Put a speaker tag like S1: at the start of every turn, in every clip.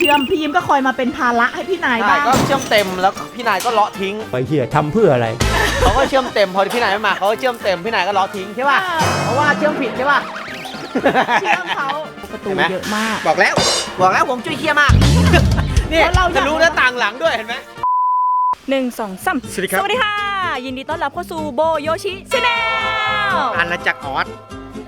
S1: ชื่อมพี่ยิ้มก็คอยมาเป็นภาระให้พี่นายบ้าง
S2: ก็เชื่อมเต็มแล้วพี่นายก็เลาะทิ้ง
S3: ไปเหี้ยทำเพื่ออะไร
S2: เขาก็เชื่อมเต็มพอพี่นายไม่มาเขาก็เชื่อมเต็มพี่นายก็เลาะทิ้งใช่ป่ะเพราะว่าเชื่อมผิดใช่ป่ะ
S1: เชื่อมเขาประตูเยอะมาก
S2: บอกแล้วผมจุ้ยเคี้ยมากนี่จะรู้หน้าต่างหลังด้วยเห็นไหม
S1: 1 2 3
S2: สวัสดีครับ
S1: สวัสดีค่ะยินดีต้อนรับเข้าสู่โบโยชิชาแนล
S2: อาณาจักรออส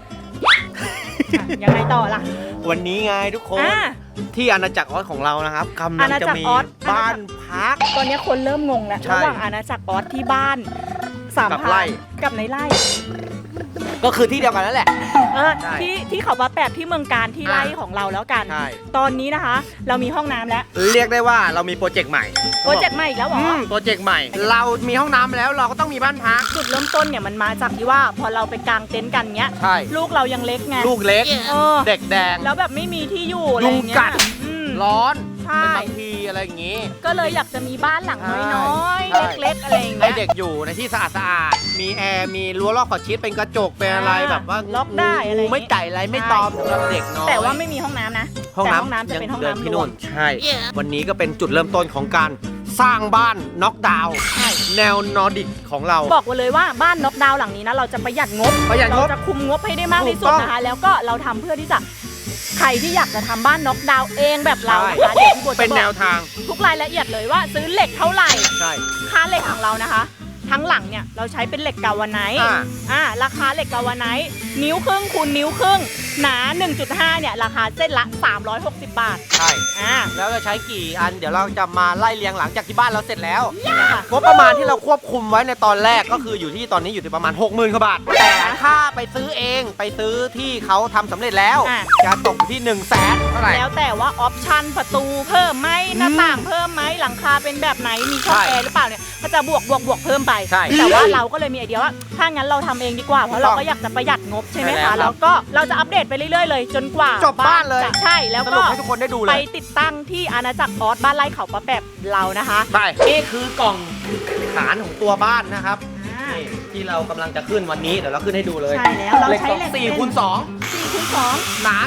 S1: ยังไงต่อล่ะ
S2: วันนี้ไงทุกคน ที่อาณาจักรออสของเรานะครับกำลังจะมีบ้านพัก
S1: ตอนนี้คนเริ่มงงแล้ว
S2: ใช่
S1: ระหว่างอาณาจักรออสที่บ้านสาม
S2: กับ
S1: พา
S2: ไร่
S1: นกับในไร่
S2: ก็คือที่เดียวกันนั่นแหละ ใช่
S1: ที่เขามาแปบที่เมืองการที่ไร่ของเราแล้วกัน
S2: ใช่
S1: ตอนนี้นะคะ เรามีห้องน้ำแล้ว
S2: เรียกได้ว่าเรามีโปรเจกต์ใหม่
S1: โปรเจกต์ใหม่อีกแล้วเหรอ
S2: โปรเจกต์ใหม่ เรามีห้องน้ำแล้วเราก็ต้องมีบ้านพัก
S1: จุดเริ่มต้นเนี่ยมันมาจากที่ว่าพอเราไปกางเต็นท์กันเงี้ย
S2: ใช่
S1: ลูกเรายังเล็กไง
S2: ลูกเล็ก
S1: เออ
S2: เด็กแดง
S1: แล้วแบบไม่มีที่อยู่อะไร
S2: ยุง
S1: เงี้ย
S2: กัด
S1: อืม
S2: ร้อน
S1: ใช่
S2: เป็นบางทีอะไรอย่างงี้
S1: ก็เลยอยากจะมีบ้านหลังน้อย
S2: ใช่
S1: ๆเล็กๆอะไรอย่าง
S2: ให้
S1: เงี้ย
S2: เด็กอยู่ในที่สะอาดๆมีแอร์มีรั้วรอบขอบชิดเป็นกระจกเป็นอะไรแบบว่า
S1: ล็อกได้อะไร
S2: งูไม่ไก่อะไรไม่ตอมสำหรับเด็กน้อย
S1: แต่ว่าไม่มีห้องน้ำนะ
S2: ห้อง
S1: แต่
S2: น้ำ
S1: ห้องน้ำจะเป็นห้อง
S2: ดิ
S1: น้ำ
S2: ที่
S1: รว
S2: นู่
S1: ม
S2: นใช่ วันนี้ก็เป็นจุดเริ่มต้นของการสร้างบ้านน็อกดาวน์
S1: ใช่
S2: แนวนอร์ดิกของเรา
S1: บอกไว้เลยว่าบ้านน็อกดาวน์หลังนี้นะเราจะประหยัดงบ
S2: ประหยัดงบ
S1: เราจะคุมงบให้ได้มากที่สุด
S2: ถูกต้อง
S1: นะคะ แล้วก็เราทำเพื่อที่จะใครที่อยากจะทำบ้านน็อกดาวน์เองแบบเรานะคะเดี๋ยวพี่โบจะ
S2: เป็น
S1: บ
S2: แน
S1: อ
S2: ว
S1: ก
S2: ทาง
S1: ทุกรายละเอียดเลยว่าซื้อเหล็กเท่าไหร่
S2: ใช่
S1: ค่าเหล็กของเรานะคะ ทั้งหลังเนี่ยเราใช้เป็นเหล็กกาวาไนท์ ราคาเหล็กกาวาไนท์นิ้วครึ่งคูณนิ้วครึ่งหนา 1.5 เนี่ยราคาเส้นละ 360 บาท
S2: ใช่
S1: อ่า
S2: แล้วจะใช้กี่อันเดี๋ยวเราจะมาไล่เรียงหลังจากที่บ้านเราเสร็จแล้ว
S1: เนี่ยค่ะ
S2: งบประมาณที่เราควบคุมไว้ในตอนแรกก็คืออยู่ที่ตอนนี้อยู่ที่ประมาณ 60,000 กว่าบาท แต่ถ้าไปซื้อเองไปซื้อที่เขาทำสำเร็จแล้ว จะตกอยู่ที่ 100,000 เท่าไหร่
S1: แล้วแต่ว่าออปชั่นประตูเพิ่มไหมหน้าต่างเพิ่มไหมหลังคาเป็นแบบไหนมีช่อง
S2: ใช่
S1: แอร์หรือเปล่าเนี่ยก็จะบวกเพิ่มไป
S2: ใช่
S1: แต่ว่าเราก็เลยมีไอเดียว่าถ้างั้นเราทำเองดีกว่าเพราะเราก็อยากจะประหยัดงบใช่ไหม
S2: ใช่แล้วครั
S1: คะ
S2: บ
S1: แล้วก็เราจะอัปเดตไปเรื่อยๆเลยจนกว่า
S2: จบบ้านเลย
S1: จะใช่แล้ว
S2: ส
S1: ก็
S2: รุปให้ทุกคนได้ดูเล
S1: ไป
S2: ย
S1: ติดตั้งที่อาณาจักรออสบ้านไร่เขาปะแปบเรานะคะ
S2: ไปนี่คือกล่องฐานของตัวบ้านนะครับ
S1: อ่า
S2: นี่ที่เรากำลังจะขึ้นวันนี้เดี๋ยวเราขึ้นให้ดูเลย
S1: ใช่แล้วเราใช้เหล็ก
S2: 4คูณ
S1: 4คูณ2
S2: 2หนา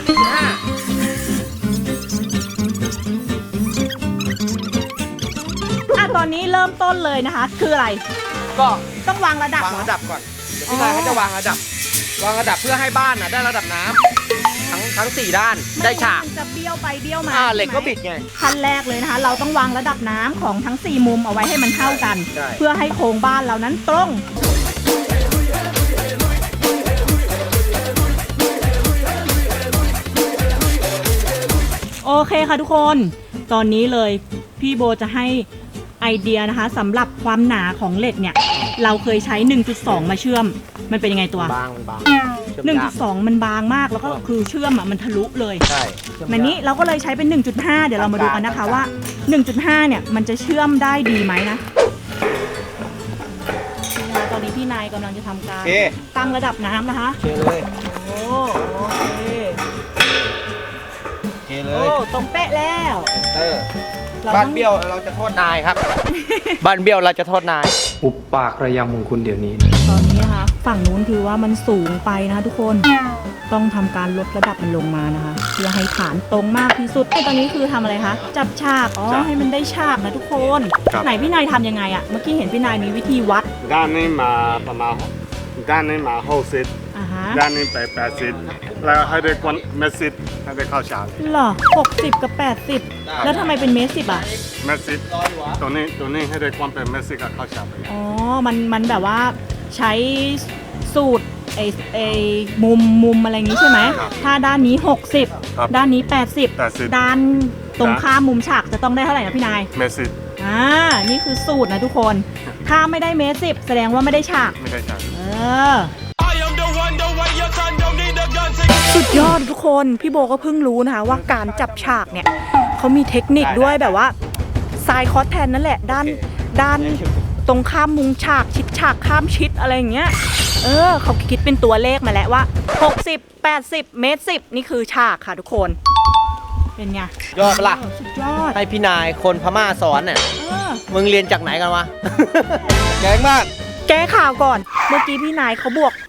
S1: ตอนนี้เริ่มต้นเลยนะคะ คืออะไร
S2: 1.5ก็
S1: ต้องวางระดับ
S2: วาง
S1: เหรอ
S2: ระดับก่อนเดี๋ยวพี่นายเขาจะวางระดับเพื่อให้บ้านได้ระดับน้ำทั้ง4ด้านได้ฉาก
S1: มันจะเบี้ยวไปเบี้ยวมา
S2: เหล็กก็บิดไง
S1: ขั้นแรกเลยนะคะ เราต้องวางระดับน้ำของทั้ง 4 มุมเอาไว้ให้มันเท่ากัน
S2: ใช่
S1: เพื่อให้โครงบ้านเรานั้นตรง โอเคค่ะทุกคน ตอนนี้เลยพี่โบจะให้ไอเดียนะคะสำหรับความหนาของเหล็กเนี่ย เราเคยใช้ 1.2 มาเชื่อม มันเป็นยังไงตัว
S2: บางเชื่อมยาก
S1: 1.2 มันบางมากแล้วก็คือเชื่อมมันทะลุเลย
S2: ใช่
S1: มันนี้เราก็เลยใช้เป็น 1.5 เดี๋ยวเรามาดูกันนะคะว่า 1.5 เนี่ยมันจะเชื่อมได้ดีไหมนะตอนนี้พี่นายกำลังจะทำการ
S2: โอเค
S1: ตั้งระดับน้ำนะคะ
S2: โอเคเลย
S1: โอ้โอเค
S2: โอเคเล
S1: โอ้
S2: ย
S1: ตรงเป๊ะแล้ว
S2: บ้านเบี้ยวเราจะโทษนายครับ บ้านเบี้ยวเราจะโทษนาย
S3: อุปปากระยำของคุณเดี๋ยวนี้
S1: ตอนนี้นะคะฝั่งนู้นคือว่ามันสูงไปนะคะทุกคนต้องทำการลดระดับมันลงมานะคะเพื่อให้ฐานตรงมากที่สุดไอ้ตอนนี้คือทำอะไรคะจับฉากให้มันได้ฉากนะทุกคน ไหนพี่นายทำยังไงอะเมื่อกี้เห็นพี่นายมีวิธีวัด
S4: ด้านนี้มาประมาณด้านนี้มา60
S1: อ่าฮะ
S4: ด้านนี้ไป80แล้วให้ได้กวนเมตร10ให้ได้เข้าฉาก
S1: เหรอ60 กับ 80 แล้วทำไมเป็นเมตร 10 อ่ะ
S4: เมตร10ตัวนี้ให้ได้กวนเป็นเมตร10กับเข้าฉากไป
S1: อ๋อมันแบบว่าใช้สูตรไอ้มุมอะไรอย่างงี้ใช่ไหมถ้าด้านนี้ 60 ด้านนี้ 80 ด้านตรงข้ามมุมฉากจะต้องได้เท่าไหร่นะพี่นาย
S4: เมตร
S1: นี่คือสูตรนะทุกคน ถ้าไม่ได้เมตร 10 แสดงว่าไม่ได้ฉาก
S4: 10ไม่ได้ฉาก
S1: สุดยอดทุกคนพี่โบก็เพิ่งรู้นะคะว่าการจับฉากเนี่ยเขามีเทคนิคด้วยแบบว่าทรายคอสแทนนั่นแหละด้านตรงข้ามมุมฉากชิดฉากข้ามชิดอะไรอย่างเงี้ยเขาคิดเป็นตัวเลขมาแล้วว่า60 80 เมตร 10 นี่คือฉากค่ะทุกคนเป็นไง
S2: ยอดปะล่ะ
S1: สุดยอด
S2: ให้พี่นายคนพม่าสอนเนี่ย มึงเรียนจากไหนกันวะ แกงมาก
S1: แก้ข่าวก่อนเมื่อกี้พี่นายเขาบวก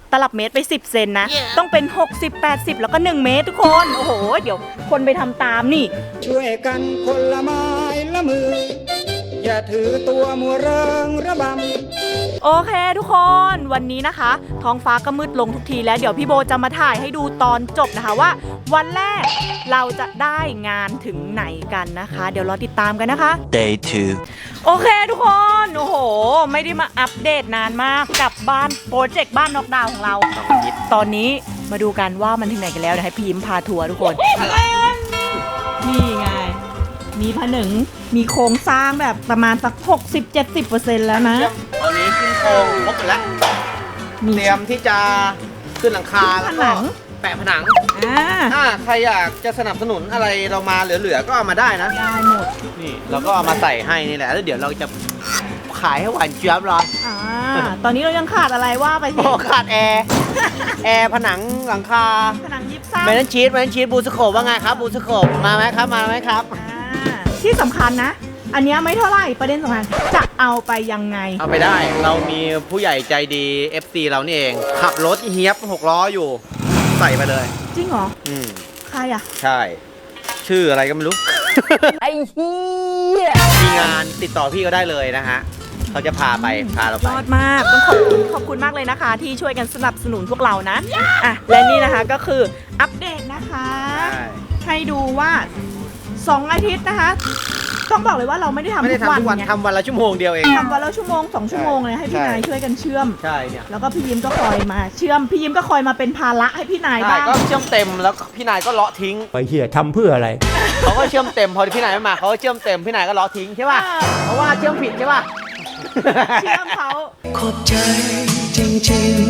S1: ตลับเมตรไป 10 เซนนะ ต้องเป็น 60 80 แล้วก็ 1 เมตรทุกคน โอ้โห เดี๋ยวคนไปทำตามนี่
S5: ช่วยกันคนละไม้ละมือ อย่าถือตัวมัวเริงระบำ
S1: โอเคทุกคน วันนี้นะคะ ท้องฟ้าก็มืดลงทุกทีแล้วเดี๋ยวพี่โบจะมาถ่ายให้ดูตอนจบนะคะว่า วันแรกเราจะได้งานถึงไหนกันนะคะ เดี๋ยวรอติดตามกันนะคะ
S6: Day 2
S1: โอเคทุกคนโอ้โห ไม่ได้มาอัปเดตนานมากกับบ้านโปรเจกต์บ้านน็อกดาวน์ของเรา ตอนนี้มาดูกันว่ามันถึงไหนกันแล้วเดี๋ยวให้พี่ยิ้มพาทัวร์ทุกคน นี่ไง มีผนึงมีโครงสร้างแบบประมาณสัก 60-70% แล้วนะ
S2: ตอนนี้ขึ้นโครงครบหมดแล้ว
S1: มี
S2: เตรียมที่จะขึ้นหลังคาแล้ว
S1: ผ
S2: ก็
S1: นัง
S2: แปะผนัง
S1: อ่า
S2: ถ้าใครอยากจะสนับสนุนอะไรเรามาเหลือๆก็เอามาได้นะ
S1: ได้หมด
S2: นี่เราก็เอามาใส่ให้นี่แหละแล้วเดี๋ยวเราจะขายให้หวานเจี๊ยบเลย
S1: อ่าตอนนี้เรายังขาดอะไรว่าไปสิ
S2: โอ้ขาดแอร์แอร์ผนังหลังคา
S1: ผนังยิบซ้ำ
S2: แมนชีสบูสโคปว่าไงครับบูสโคปมาไหมครับมาไหมครับ
S1: ที่สำคัญนะ อันเนี้ยไม่เท่าไหร่ประเด็นสำคัญจะเอาไปยังไง
S2: เอาไปได้เรามีผู้ใหญ่ใจดี FC เรานี่เองขับรถเฮียบ6 ล้ออยู่ ใส่ไปเลย
S1: จริงเหรอ
S2: อืม
S1: ใครอ่ะ
S2: ใช่ ชื่ออะไรก็ไม่รู้
S1: ไอ้เฮีย
S2: มีงานติดต่อพี่ก็ได้เลยนะฮะเขาจะพาเราไป
S1: ยอดมากต้องขอบคุณมากเลยนะคะ ที่ช่วยกันสนับสนุนพวกเรานะอ่ะและนี่นะคะก็คืออัปเดตนะคะ ให้ดูว่า 2 อาทิตย์นะคะ ต้องบอกเลยว่าเราไม่ได้ทำ
S2: ไม่ได้
S1: ทุกวัน
S2: ทำทุกวัน
S1: ไง
S2: ทำวันละชั่วโมงเดียวเอง
S1: ทำวันละชั่วโมง 2 ชั่วโมงเลยให้พี่นายช่วยกันเชื่อม
S2: ใช่เนี่ย
S1: แล้วก็พี่ยิ้มก็คอยมาเชื่อมพี่ยิ้มก็คอยมาเป็นภาระให้พี่นาย
S2: ใช่
S1: บ้าง
S2: ก็เชื่อมเต็มแล้วพี่นายก็เลาะทิ้ง
S3: ไปเหี้ยทำเพื่ออะไร
S2: เขาก็เชื่อมเต็มพอพี่นายไม่มาเขาก็เชื่อมเต็มพี่นายก็เลาะทิ้งใช่ป่ะเพราะว่าเชื่อมผิดใช่ป่ะ
S1: เชื่อมเขา
S5: ขอบใจจริง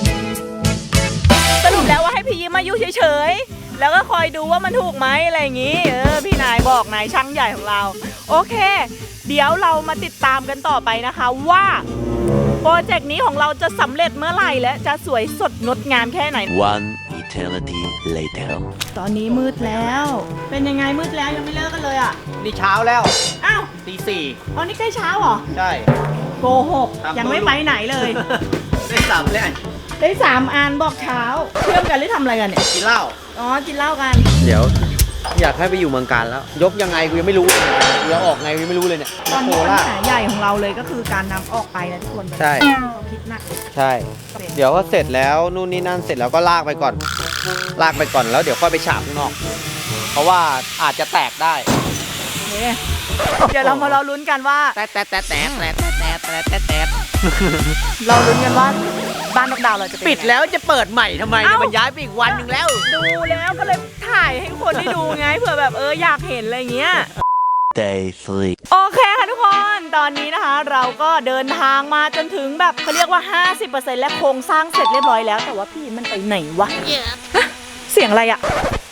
S5: ๆ
S1: สรุปแล้วว่าให้พี่ยิ้มมาอยู่เฉยๆ แล้วก็คอยดูว่ามันถูกไหมอะไรอย่างนี้ พี่นายบอกนายช่างใหญ่ของเรา โอเค เดี๋ยวเรามาติดตามกันต่อไปนะคะว่าโปรเจกต์นี้ของเราจะสำเร็จเมื่อไหร่และจะสวยสดงดงามแค่ไหน
S6: One eternity later
S1: ตอนนี้มืดแล้ว เป็นยังไงมืดแล้วยังไม่เลิกกันเลยอ่ะ
S2: นี่เช้าแล้ว
S1: อ้าว
S2: ตี
S1: ตอนนี้ใกล้เช้าเหรอ
S2: 4ใช่
S1: โกหกยังไม่ไปไหนเลย
S2: ได้สามเลย
S1: ได้3 อันบอกเช้า เชื่อมกันหรือทำอะไรกันเนี่ย
S2: กินเหล้า
S1: อ๋อ กินเหล้ากัน
S2: เดี๋ยว อยากให้ไปอยู่เมืองการแล้ว ยกยังไงกูยังไม่รู้เลยเดี๋ยวออกไงกูยังไม่รู้เลยเนี่ย
S1: ตอน
S2: โค
S1: นี้ปัญ
S2: ราช
S1: หาใหญ่ของเราเลยก็คือการนำออกไปนะทุกคน
S2: ใช่
S1: เขาคิดหนัก
S2: ใช่ เดี๋ยวก็เสร็จแล้วนู่นนี่นั่นเสร็จแล้วก็ลากไปก่อน ลากไปก่อนแล้วเดี๋ยวค่อยไปฉาบข้างนอก เพราะว่าอาจจะแตกได้
S1: เนี่ยเดี๋ยวเรามารอลุ้นกันว่า
S2: แตะ
S1: เราลุ้นกันว่าบ้านนกดาวเราจะเป็น
S2: ปิดแล้วจะเปิดใหม่ทำไมเนี่ย
S1: เอ้ามั
S2: มันย้ายไปอีกวันหนึ่งแล้ว
S1: ดูแล้วก็เลยถ่ายให้คนได้ดูไงเผื่อแบบอยากเห็นอะไรเงี้ย
S6: Day 3
S1: โอเคค่ะทุกคน ตอนนี้นะคะเราก็เดินทางมาจนถึงแบบเขาเรียกว่า 50% และโครงสร้างเสร็จเรียบร้อยแล้ว แต่ว่าพี่มันไปไหนวะฮะเสียงอะไรอะ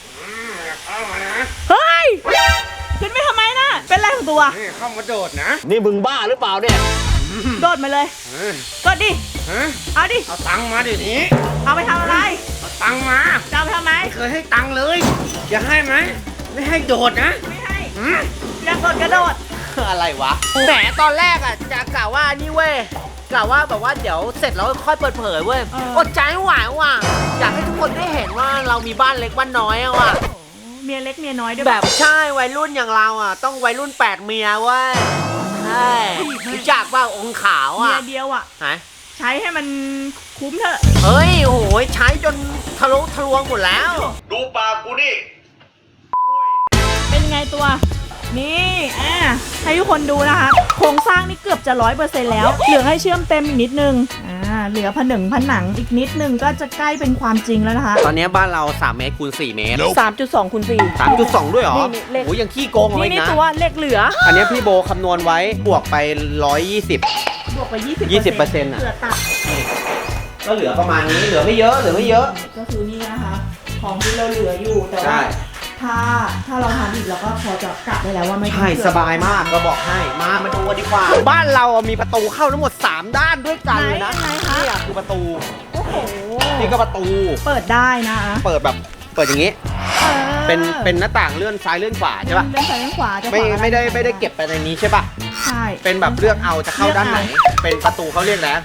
S1: เฮ้ย ขึ้นไปทำไมนะเป็นไรของตัว
S4: นี่เข้ามาโดดนะ
S2: นี่มึงบ้าหรือเปล่าเนี่ย
S1: โดดมาเลยกดดิ
S4: ฮะ
S1: เอาดิ
S4: เอาตังค์มาเดี๋ยวนี้
S1: เอาไปทำอะไร
S4: เอาตังค์มา
S1: จะเอาไปทำไม
S4: ไม่เคยให้ตังค์เลย อยากให้ไหม ไม่ให้โดดนะ
S1: ไม่ให้
S4: หืม
S1: อยากกดกระโดด
S2: อะไรวะแหมตอนแรกอ่ะจะกล่าวว่านี่เว้ยกล่าวว่าแบบว่าเดี๋ยวเสร็จแล้วค่อยเปิดเผยเว้ยอดใจไม่ไหวว่ะอยากให้ทุกคนได้เห็นว่าเรามีบ้านเล็กบ้านน้อยอะว่ะ
S1: เมียเล็กเมียน้อยด้วย
S2: แบบใช่วัยรุ่นอย่างเราอ่ะต้องวัยรุ่น8 เมียเว้ยใช่รู้จักว่าองค์ขาว
S1: เมี
S2: อ่ะ
S1: ยเดียวอ่ะ
S2: ไหน
S1: ใช้ให้มันคุ้มเถอะ
S2: เฮ้ยโอ้โหใช้จนทะลุทะลวงหมดแล้ว
S4: ดูปากกูนี่
S1: เป็นไงตัว นี่ให้ทุกคนดูนะคะ โครงสร้างนี่เกือบจะ 100% แล้ว เหลือให้เชื่อมเต็มอีกนิดนึง เหลือผนังอีกนิดนึงก็จะใกล้เป็นความจริงแล้วนะคะ
S2: ตอนนี้บ้านเรา3 เมตรคูณ4 เมตร
S1: 3.2 คูณ 4
S2: 3.2 ด้วยเหรอ
S1: นี่เลข
S2: โอ้ยยังขี้โกงเอาไว้
S1: นี่
S2: นะ
S1: ตัวเลขเหลือ
S2: อันนี้พี่โบคำนวณไว้บวกไป 120
S1: บวกไป 20%
S2: 20%อะ
S1: เหลือตัด
S2: ก็เหลือประมาณนี้เหลือไม่เยอะเหลือไม่เยอะ
S1: ก็คือนี่นะคะ ของที่เราเหลืออยู่แต่
S2: ใช่
S1: ว่าถ้าเราทำอีกเราก็พอจะกะได้แล้วว่าไม่ต้อง
S2: ใช่
S1: เผื่อ
S2: สบายมากก็บอกให้มาดูกันดีกว่า บ้านเรามีประตูเข้าทั้งหมด 3 ด้านด้วยกันเลยนะ
S1: ไหนคะ
S2: นี่คือประตู
S1: โอ้โห
S2: นี่ก็ประตู
S1: เปิดได้นะ
S2: เปิดแบบเปิดอย่างนี้ เป็นหน้าต่างเลื่อนซ้ายเลื่อนขวาใช่ป่ะ
S1: เลื่อนซ้ายเลื่อนขวาจะ
S2: ไม่ได้เก็บไปในนี้ใช่ป่ะ
S1: ใช่
S2: เป็นแบบเลือกเอาจะเข้าด้านไหน เป็นประตูเขาเรียกแล้ว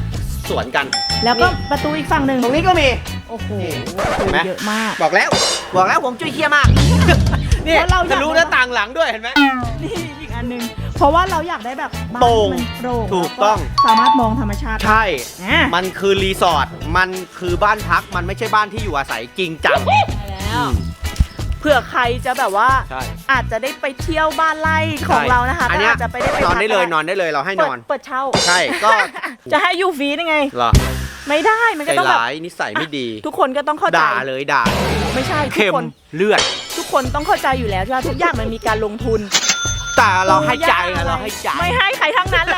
S2: สวนกัน
S1: แล้วก็ประตูอีกฝั่งหนึ่ง
S2: ตรงนี้ก็มี
S1: โอ้โห
S2: เห็นไหม
S1: เยอะมาก
S2: บอกแล้วผมจุ้ยเคี้ยมาก นี่
S1: เพราะเราอยาก
S2: จะรู้หน้าต่างหลังด้วยเห็นไหม
S1: นี่อีกอันหนึงเพราะว่าเราอยากได้แบบบ้าน
S2: โปร่ง
S1: ที่มันโปร่ง
S2: ถูกต้อง
S1: แล้วสามารถมองธรรมชาติ
S2: ใช่
S1: อ่ะ
S2: มันคือรีสอร์ทมันคือบ้านพักมันไม่ใช่บ้านที่อยู่อาศัยจริงจัง
S1: แล้วเผื่อใครจะแบบว่า
S2: ใช่
S1: อาจจะได้ไปเที่ยวบ้านไร่ของเรานะคะ
S2: อัน
S1: ก็
S2: เนี้ย
S1: อาจจะไปได้ไป
S2: นอนได้เลย
S1: พัก
S2: นอนได้เลยเราให้นอน
S1: เปิดเช่า
S2: ใช่ก็
S1: จะให้อยู่ฟรีได้ไง
S2: เหรอ
S1: ไม่ได้มัน
S2: ใจ
S1: ก็ต้องแบบ
S2: ร้ายนิสัยไม่ดี
S1: ทุกคนก็ต้องเข้าใจ
S2: ด่าเลยด่า
S1: ไม่ใช่ทุ
S2: เค็
S1: ก
S2: ม
S1: คน
S2: เลือด
S1: ทุกคนต้องเข้าใจอยู่แล้วใช่ไหมทุกอย่างมันมีการลงทุน
S2: แต่เราให้ใจไงเราให้ใจ
S1: ไม่ให้ใครทั้งนั้นแหละ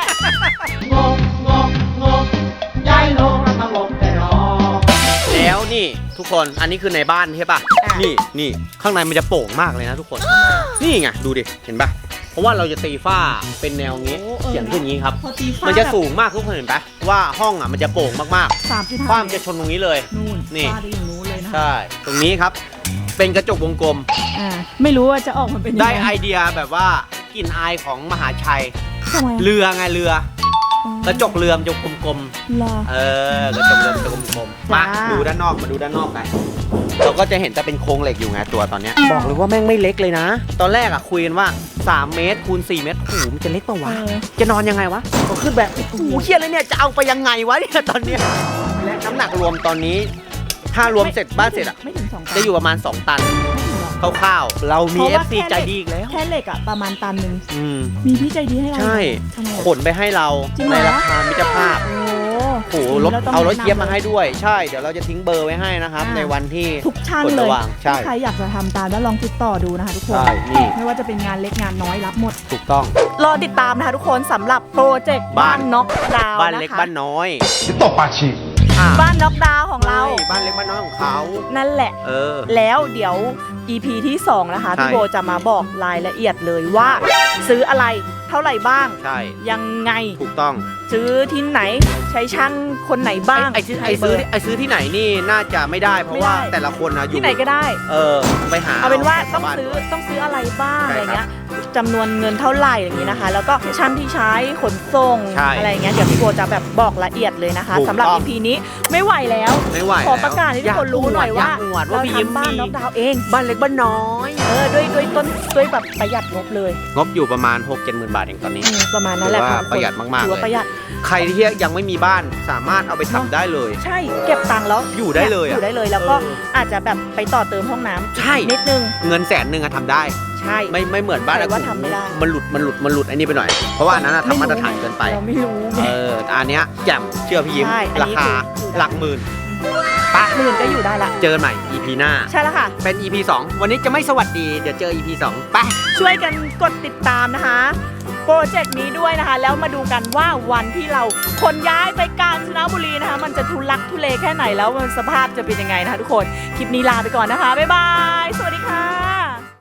S2: แล้วนี่ทุกคนอันนี้คือในบ้านใช่ป่ะนี่ข้างในมันจะโปร่งมากเลยนะทุกคน นี่ไงดูดิเห็นป่ะเพราะว่าเราจะตีฝ้าเป็นแนวงี้เขียนขึ้นอย่างนี้ครับ
S1: พอตีฟ้า
S2: มันจะสูงมากทุกคนเห็นปะว่าห้องอ่ะมันจะโปร่งมาก
S1: 3.5
S2: ๆฝ้ามันจะชนตรงนี้เลย
S1: นู่น
S2: นี่
S1: ฟ้าได้อย่างนู้นเลยนะ
S2: ใช่ตรงนี้ครับ เป็นกระจกวงกลม
S1: ไม่รู้ว่าจะออกมาเป็นยัง
S2: ได้
S1: ไง
S2: ไอเดียแบบว่ากลิ่นอายของมหาชัย
S1: ทำไม
S2: เรือไงเรือ กระจกเรือมันจะกลม
S1: รอ
S2: ๆกระจกเรือมันจะกลมๆมา
S1: จ้า
S2: ดูด้านนอกมาดูด้านนอกกันเราก็จะเห็นแต่เป็นโครงเหล็กอยู่ไงตัวตอนเนี้ยบอกเลยว่าแม่งไม่เล็กเลยนะ ตอนแรกอ่ะคุยกันว่า3 เมตรคูณ4 เมตรโอ้โหมันจะเล็กปะวะ จะนอนยังไงวะก็ขึ้นแบบโอ้โหเครียดเลยเนี่ยจะเอาไปยังไงวะเนี่ยตอนเนี้ยและน้ำหนักรวมตอนนี้ ถ้ารวมเสร็จบ้านเสร็จอ่ะ
S1: ไม่ถึง2 ตัน
S2: จะอยู่ประมาณ2 ตันคร่าวๆเรามี
S1: เพราะว่า
S2: FC ใจดีอีกแล้ว
S1: แค่เหล็กอะประมาณตันหนึ่ง
S2: อืม
S1: มีพี่ใจดีให้เรา
S2: ใช่
S1: ทำไม
S2: ขนไปให้เรา
S1: จริงเหร
S2: ใน
S1: อ
S2: ราคามิตรภาพ
S1: โอ้
S2: โอ้โหรถ
S1: ต้ง
S2: เอารถ
S1: แนะนำ
S2: เทียบมาให้ด้วย ใช่เดี๋ยวเราจะทิ้งเบอร์ไว้ให้นะครับ ในวันที่
S1: ทุกช่าง
S2: กด
S1: เล
S2: ระ
S1: ย
S2: วางใช่
S1: ถ้าใครอยากจะทำตามแล้วลองติดต่อดูนะคะทุกคน
S2: ใช่นี่
S1: ไม่ว่าจะเป็นงานเล็กงานน้อยรับหมด
S2: ถูกต้อง
S1: รอติดตามนะคะทุกคนสำหรับโปรเจกต์บ้านน็อกดาวน์
S2: บ้านเล็ก
S1: นะคะ
S2: บ้านน้อย
S4: ตบปากฉีก
S2: อ่ะ
S1: บ้านน็อกดาวน์ของเรา
S2: ใช่บ้านเล็กบ้านน้อยของเขา
S1: นั่นแหละ
S2: เออ
S1: แล้วเดี๋ยว EP ที่ 2 นะคะ
S2: ใช่
S1: พี่โบจะมาบอกรายละเอียดเลยว่า ซื้ออะไรเท่าไหร่บ้าง
S2: ใช่
S1: ยังไง
S2: ถูกต้อง
S1: ซื้อที่ไหนใช้ช่างคนไหนบ้าง
S2: ไอ้ซื้อที่ไหนนี่น่าจะไม่ได้เพราะว่า
S1: ไม่ได้
S2: แต่ละคนนะอยู่
S1: ที่ไหนก็ได้
S2: ไปหา
S1: เอาเป็นว่า
S2: แถ
S1: ต้อง
S2: บ้น
S1: ซื้อ
S2: ด้วย
S1: ต้องซื้ออะไรบ้าง
S2: ใช่
S1: อะไรเงี้ยจำนวนเงินเท่าไหร่อย่างนี้นะคะ แล้วก็ช่างที่ใช้ขนส่ง
S2: ใช่
S1: อะไรเงี้ยเดี๋ยวพี่โบจะแบบบอกละเอียดเลยนะคะ
S2: ถูก
S1: สำหรับ
S2: ต้อง
S1: EP นี้ไม่ไหวแล้ว
S2: ไม่ไหว
S1: ขอ
S2: แล้ว
S1: ประกาศให้ทุกคนรู้หน่อยว่า
S2: อวด
S1: เรา
S2: พี่ยิ้ม
S1: ทำบ้าน
S2: มี
S1: น็อกดาวน์เอง
S2: บ้านเล็กบ้านน้อย
S1: ด้วยแบบประหยัดงบเลย
S2: งบอยู่ประมาณ 6-70,000 บาทเองตอนนี้
S1: ประมาณนั้นแหละ
S2: ถือว่า
S1: ค่ะทุกคน
S2: ประหยัดมากๆ
S1: ถือว่า
S2: เลย
S1: ประหยัด
S2: ใครที่ยังไม่มีบ้านสามารถเอาไปทำได้เลย
S1: ใช่เก็บตังค์แล้ว
S2: อยู่ได้เลยอะ
S1: อยู่ได้เลยแล้วก็อาจจะแบบไปต่อเติมห้องน้ำ
S2: ใช่
S1: นิดนึง
S2: เงิน100,000อะทำได้
S1: ใช่
S2: ไม่เหมือนบ้าน
S1: แต่ว่า
S2: อะ
S1: ทำไม่ได้
S2: มันหลุดไอ้นี่ไปหน่อย เพราะว่าอันนั้นอะทำมาตรฐานเกินไป
S1: เราไม่รู้ไง
S2: แต่อันเนี้ยแจ่มเชื่อพี่ยิ้ม
S1: ใช่อัน
S2: รา
S1: นี้
S2: คา
S1: คือ
S2: หลักหมื่น
S1: หมื่นก็อยู่ได้ละ
S2: เจอกันใหม่ EP หน้า
S1: ใช่แล้วค่ะ
S2: เป็น EP 2 วันนี้จะไม่สวัสดี เดี๋ยวเจอ EP 2 ไป
S1: ช่วยกันกดติดตามนะคะ โปรเจกต์นี้ด้วยนะคะ แล้วมาดูกันว่าวันที่เราขนย้ายไปกาญจนบุรีนะคะ มันจะทุลักทุเลแค่ไหนแล้วมันสภาพจะเป็นยังไงนะคะทุกคน คลิปนี้ลาไปก่อนนะคะ บ๊ายบาย สวัสดีค่ะ